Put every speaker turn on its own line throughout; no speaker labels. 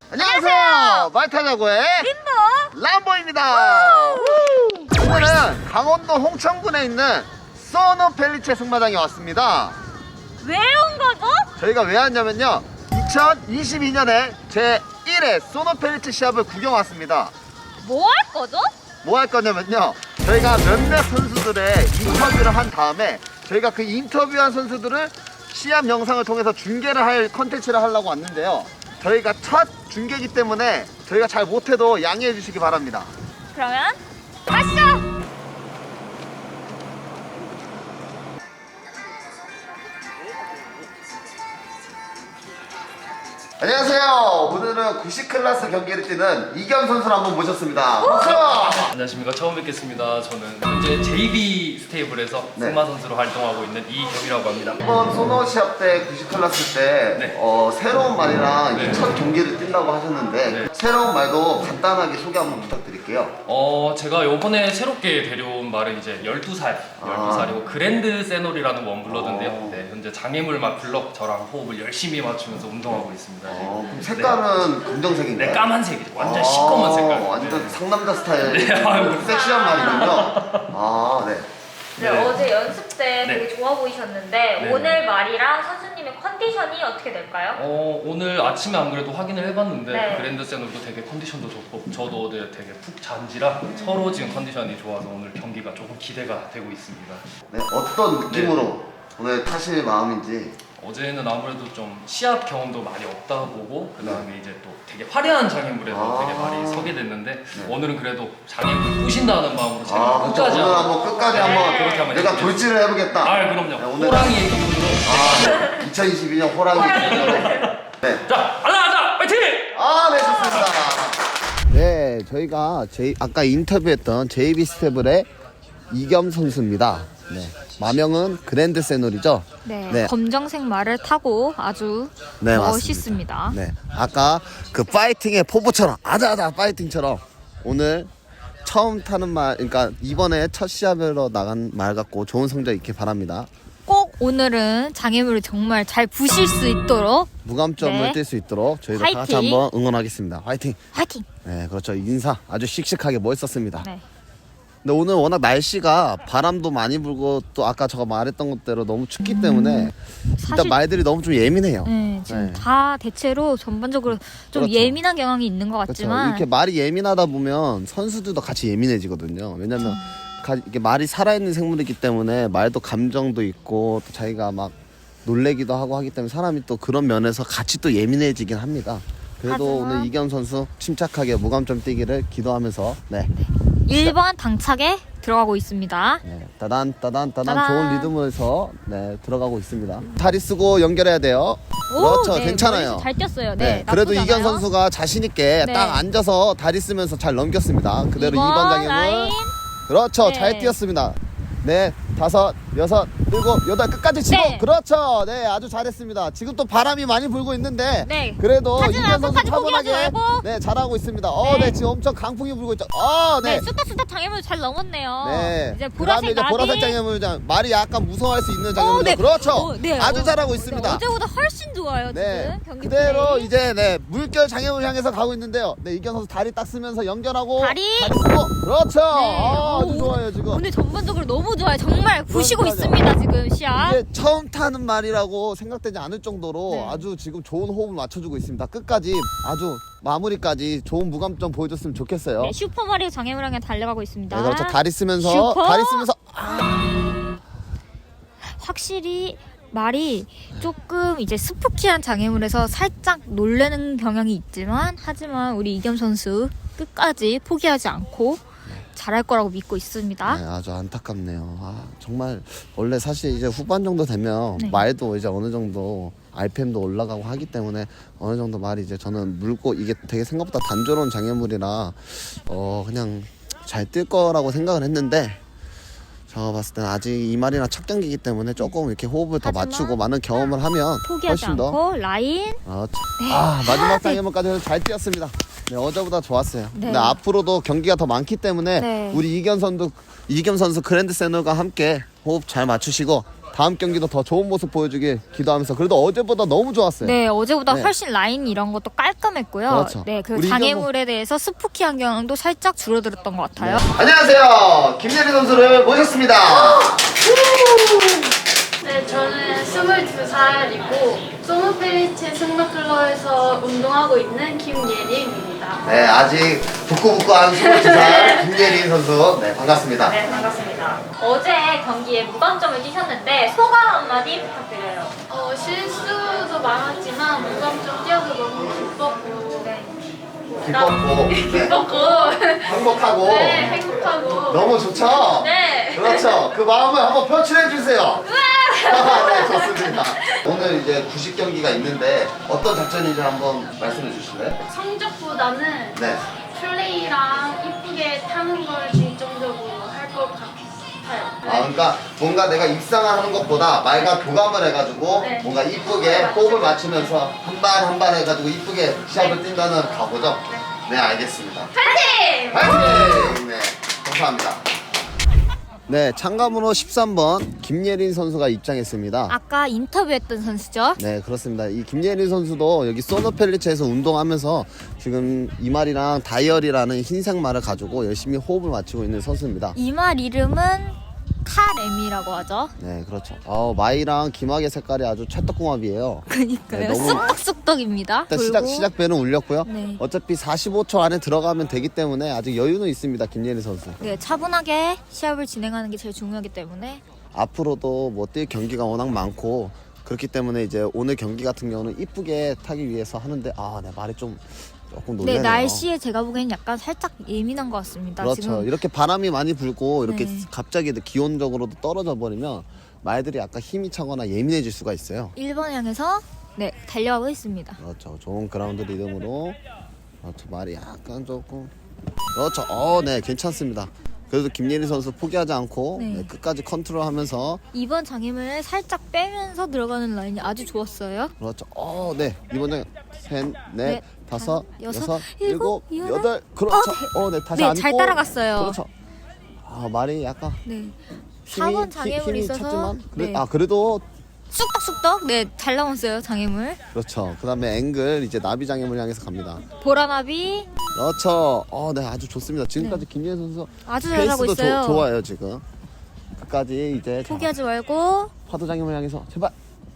안녕하세요. 말타자고의
림보
람보입니다. 오늘은 강원도 홍천군에 있는 소노 펠리체 승마장에 왔습니다.
왜 온 거죠?
저희가 왜 왔냐면요, 2022년에 제1회 소노 펠리체 시합을 구경 왔습니다.
뭐 할 거죠?
뭐 할 거냐면요, 저희가 몇몇 선수들의 인터뷰를 한 다음에 저희가 그 인터뷰한 선수들을 시합 영상을 통해서 중계를 할 컨텐츠를 하려고 왔는데요, 저희가 첫 중계이기 때문에 저희가 잘 못해도 양해해 주시기 바랍니다.
그러면 가시죠!
안녕하세요. 오늘은 90 클래스 경기를 뛰는 이겸 선수를 한번 모셨습니다. 박수!
안녕하십니까. 처음 뵙겠습니다. 저는 현재 JB 스테이블에서
네.
승마 선수로 활동하고 있는 이겸이라고 합니다.
이번 소노 시합 때 90 클래스 때
네.
새로운 말이랑
네.
첫 경기를 뛴다고 하셨는데
네.
새로운 말도 간단하게 소개 한번 부탁드릴게요.
제가 요번에 새롭게 데려온 말은 이제 12살이고 그랜드 세놀이라는 원블러드인데요. 네, 현재 장애물 맞불러 저랑 호흡을 열심히 맞추면서 운동하고 있습니다.
그럼 색깔은 검정색인가요?
네, 까만색이죠. 완전 시꺼먼 색깔.
완전
네.
상남자 스타일.
네, 아유.
섹시한 말이군요. 네.
네,
네.
어제 연습 때
네.
되게 좋아 보이셨는데
네.
오늘 말이랑 선수님의 컨디션이 어떻게 될까요?
오늘 아침에 안 그래도 확인을 해봤는데
네.
그랜드 세놀도 되게 컨디션도 좋고 저도 어제 되게 푹 잔지라 서로 지금 컨디션이 좋아서 오늘 경기가 조금 기대가 되고 있습니다.
네, 어떤 느낌으로 오늘 타실 마음인지.
어제는 아무래도 좀 시합 경험도 많이 없다 보고 그 다음에 이제 또 되게 화려한 장애물에서 되게 많이 서게 됐는데 오늘은 그래도 장애물 부신다는 마음으로 제가
그렇죠.
끝까지
오늘 한번 끝까지
네.
한번
그렇게 한번
내가
해볼게요.
돌진을 해보겠다.
그럼요.
네, 오늘
호랑이의 기분으로
2022년 호랑이 기준으로. 네.
자, 가자 파이팅!
네, 좋습니다. 네, 저희가 아까 인터뷰했던 JB 스테블의 이겸 선수입니다. 네. 마명은 그랜드 세놀이죠?
네, 검정색 말을 타고 아주
네,
멋있습니다.
네. 아까 그 파이팅의 포부처럼 아자아자 파이팅처럼 오늘 처음 타는 말, 그러니까 이번에 첫 시합으로 나간 말 같고 좋은 성적 있길 바랍니다.
꼭 오늘은 장애물을 정말 잘 부실 수 있도록
무감점을
네.
뛸 수 있도록 저희가 다 같이
화이팅!
한번 응원하겠습니다. 화이팅!
화이팅!
네, 그렇죠. 인사 아주 씩씩하게 멋있었습니다.
네.
근데 오늘 워낙 날씨가 바람도 많이 불고 또 아까 제가 말했던 것대로 너무 춥기 때문에 일단
사실
말들이 너무 좀 예민해요.
지금
네.
다 대체로 전반적으로 좀
그렇죠.
예민한 경향이 있는 것
그렇죠.
같지만
이렇게 말이 예민하다 보면 선수들도 같이 예민해지거든요. 왜냐면 이게 말이 살아있는 생물이기 때문에 말도 감정도 있고 또 자기가 막 놀래기도 하고 하기 때문에 사람이 또 그런 면에서 같이 또 예민해지긴 합니다. 그래도
하지만-
오늘 이겸 선수 침착하게 무감점 뛰기를 기도하면서 네.
1번 당착에 들어가고 있습니다.
네, 따단
따단.
좋은 리듬에서 네, 들어가고 있습니다. 다리 쓰고 연결해야 돼요. 그렇죠.
네,
괜찮아요.
잘 뛰었어요.
네,
네,
그래도
나쁘지
이견
않아요.
선수가 자신 있게
네.
딱 앉아서 다리 쓰면서 잘 넘겼습니다. 그대로 2번 장애물.
라인.
그렇죠.
네.
잘 뛰었습니다. 네, 5, 6, 7, 8 끝까지 치고.
네.
그렇죠. 네, 아주 잘했습니다. 지금 또 바람이 많이 불고 있는데
네.
그래도
하지
이견
말고,
선수
까지 포기하지
차분하게
말고.
네, 잘하고 있습니다.
네.
네, 지금 엄청 강풍이 불고 있죠.
네,
네.
쑥닥쑥닥 장애물 잘 넘었네요.
네.
이제
그다음에
보라색
이제 보라색
나비.
장애물장 말이 약간 무서워할 수 있는 장애물장.
네.
그렇죠.
네.
아주 잘하고
네,
있습니다.
어제보다 훨씬 좋아요.
네.
지금 경기
그대로
플레이.
이제 네, 물결 장애물 향해서 가고 있는데요. 네, 이견 선수 다리 딱 쓰면서 연결하고
다리.
쓰고. 그렇죠.
네.
아주 좋아요, 지금.
오늘 전반적으로 너무 좋아요. 정말 부시고
그러니까요.
있습니다. 지금 시합.
이게 처음 타는 말이라고 생각되지 않을 정도로
네.
아주 지금 좋은 호흡을 맞춰주고 있습니다. 끝까지 아주 마무리까지 좋은 무감점 보여줬으면 좋겠어요.
네, 슈퍼마리오 장애물 향해 달려가고 있습니다.
네, 그렇죠. 다리 쓰면서
슈퍼.
다리 쓰면서
확실히 말이 조금 이제 스푸키한 장애물에서 살짝 놀래는 경향이 있지만 하지만 우리 이겸 선수 끝까지 포기하지 않고 잘할 거라고 믿고 있습니다.
네, 아주 안타깝네요. 정말 원래 사실 이제 후반 정도 되면
네.
말도 이제 어느 정도 RPM도 올라가고 하기 때문에 어느 정도 말이 이제 저는 물고 이게 되게 생각보다 단조로운 장애물이라 그냥 잘 뛸 거라고 생각을 했는데 제가 봤을 때는 아직 이 말이나 첫 경기이기 때문에 조금 이렇게 호흡을 더
하지만
맞추고 많은 경험을 하면
포기하지
훨씬 더
않고 라인.
마지막
네.
장애물까지 잘 뛰었습니다. 네, 어제보다 좋았어요.
네.
근데 앞으로도 경기가 더 많기 때문에
네.
우리 이겸 선수 그랜드 세놀과 함께 호흡 잘 맞추시고 다음 경기도 더 좋은 모습 보여주길 기도하면서 그래도 어제보다 너무 좋았어요.
네, 어제보다
네.
훨씬 라인 이런 것도 깔끔했고요.
그렇죠.
네, 그
우리
장애물에 대해서 스푸키한 경향도 살짝 줄어들었던 것 같아요.
안녕하세요. 김예리 선수를 모셨습니다.
네, 저는 22살이고 소노펠리체 승마클럽에서 운동하고 있는 김예린입니다.
네, 아직 북구북구한 22살 김예리 선수. 네, 반갑습니다.
네, 반갑습니다. 어제 경기에 무관점을 뛰셨는데 소감 한마디 부탁드려요.
실수도 많았지만 무감점 뛰어서 너무 기뻤고
기뻤고, 네.
기뻤고
행복하고,
네, 행복하고
너무 좋죠?
네.
그렇죠. 그 마음을 한번 표출해 주세요. 네, 좋습니다. 오늘 이제 90경기가 있는데 어떤 작전인지 한번 말씀해 주실래요?
성적보다는
네.
플레이랑 이쁘게 타는 걸 중점적으로 할 것 같아요.
아, 그러니까 뭔가 내가 입상하는 것보다 말과 교감을 해가지고
네.
뭔가 이쁘게 호흡을 맞추면서 한 발 한 발 해가지고 이쁘게 시합을 뛴다는 각오죠? 네, 알겠습니다.
파이팅!
파이팅! 네, 감사합니다. 네, 참가번호 13번 김예린 선수가 입장했습니다.
아까 인터뷰했던 선수죠?
네, 그렇습니다. 이 김예린 선수도 여기 소노펠리체에서 운동하면서 지금 이말이랑 다이얼이라는 흰색 말을 가지고 열심히 호흡을 맞추고 있는 선수입니다.
이 말 이름은 카레미라고 하죠.
네, 그렇죠. 마이랑 김학의 색깔이 아주 찰떡궁합이에요.
그니까요.
네, 너무-
쑥덕쑥덕입니다.
일단 시작 배는 울렸고요.
네.
어차피 45초 안에 들어가면 되기 때문에 아직 여유는 있습니다. 김예린 선수.
네, 차분하게 시합을 진행하는 게 제일 중요하기 때문에
앞으로도 뭐 뛸 경기가 워낙 많고 그렇기 때문에 이제 오늘 경기 같은 경우는 이쁘게 타기 위해서 하는데 네, 말이 조금
네,
놀라네요.
날씨에 제가 보기엔 약간 살짝 예민한 것 같습니다.
그렇죠.
지금
이렇게 바람이 많이 불고 이렇게
네.
갑자기 기온적으로도 떨어져 버리면 말들이 약간 힘이 차거나 예민해질 수가 있어요.
1번 향해서 네, 달려가고 있습니다.
그렇죠. 좋은 그라운드 리듬으로 그렇죠. 말이 약간 조금 그렇죠. 네, 괜찮습니다. 그래도 김예리 선수 포기하지 않고
네.
네, 끝까지 컨트롤하면서
이번 장애물을 살짝 빼면서 들어가는 라인이 아주 좋았어요.
그렇죠. 네, 이번 장 셋, 넷,
넷,
다섯,
여섯,
여섯,
일곱,
일곱,
여덟.
여덟. 그렇죠. 네, 다시
네,
앉고.
잘 따라갔어요.
그렇죠. 말이 약간
네.
힘이
4번 장애물이
힘이
있어서
찼지만
네.
그래도
쑥덕쑥덕 네, 잘 나왔어요, 장애물.
그렇죠. 그다음에 앵글 이제 나비 장애물 향해서 갑니다.
보라나비
그렇죠. 네, 아주 좋습니다. 지금까지 김예리 선수
아주 잘하고
페이스도
있어요.
좋아요 지금. 끝까지 이제
포기하지 말고
파도 장애물 향해서 제발.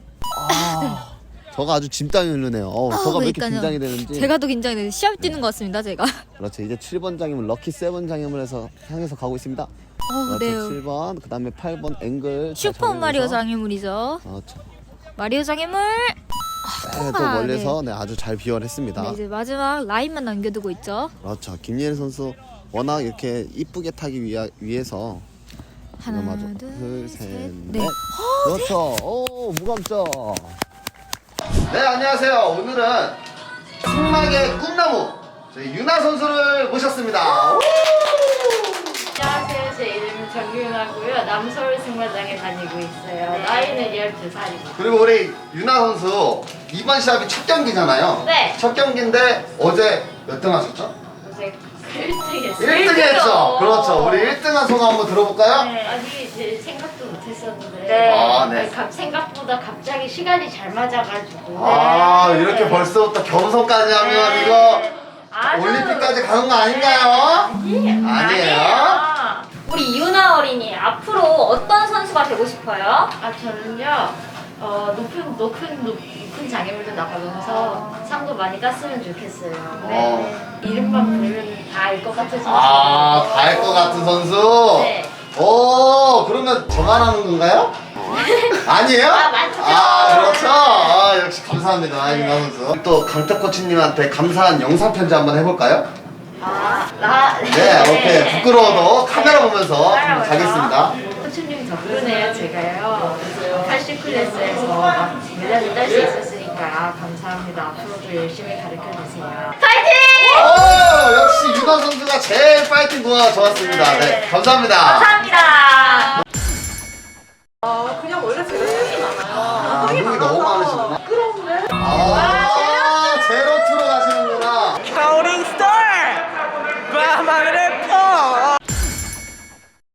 저가 아주 짐땀이 흐르네요. 저가 왜 이렇게
그러니까요.
긴장이 되는지.
제가 더 긴장이 돼요. 시합 뛰는 것 같습니다, 제가.
그렇죠. 이제 7번 장애물 럭키 세븐 장애물에서 향해서 가고 있습니다.
네.
그렇죠. 7번 그다음에 8번 앵글. 잘
슈퍼 마리오
잡으면서.
장애물이죠.
그렇죠.
마리오 장애물.
네, 또 멀리서 아주 잘 비원했습니다.
네, 이제 마지막 라인만 남겨두고 있죠.
그렇죠. 김예리 선수 워낙 이렇게 이쁘게 타기 위해서
하나,
맞아.
둘,
셋,
셋,
넷.
넷.
그렇죠. 무감점. 네, 안녕하세요. 오늘은 승막의 꿈나무 저희 유나 선수를 모셨습니다.
안녕하세요. 제 이름은 정유나고요. 남서울 승마장에 다니고 있어요. 나이는 12살이고.
그리고 우리 유나 선수 이번 시합이 첫 경기잖아요.
네.
첫 경기인데 어제 몇 등 하셨죠?
요새 1등 했어요.
1등 했죠. 그렇죠. 우리 1등한 소감 한번 들어볼까요?
네, 아니 이제 생각도 못했었는데
네.
네.
생각보다 갑자기 시간이 잘 맞아가지고
이렇게 벌써부터 겸손까지 하면 이거 올림픽까지 가는 거 아닌가요? 아니에요.
우리 이유나 어린이 앞으로 어떤 선수가 되고 싶어요?
저는요 높은 장애물도 나가면서 상도 많이 땄으면 좋겠어요. 네. 이름만 부르면 다 알 것 같은 선수.
다 할 것 같은 선수?
네.
그러면 저만 하는 건가요? 아니에요?
맞죠.
그렇죠. 역시 감사합니다, 유나 선수. 또 강탁 코치님한테 감사한 영상 편지 한번 해볼까요?
네,
오케이. 부끄러워도 카메라 보면서 가겠습니다.
코치님 덕분에 제가요 80클래스에서 막 메달을 딸 수 있었으니까 감사합니다. 앞으로도 열심히 가르쳐주세요.
역시 유나 선수가 제일 파이팅 좋았습니다. 네, 감사합니다.
감사합니다.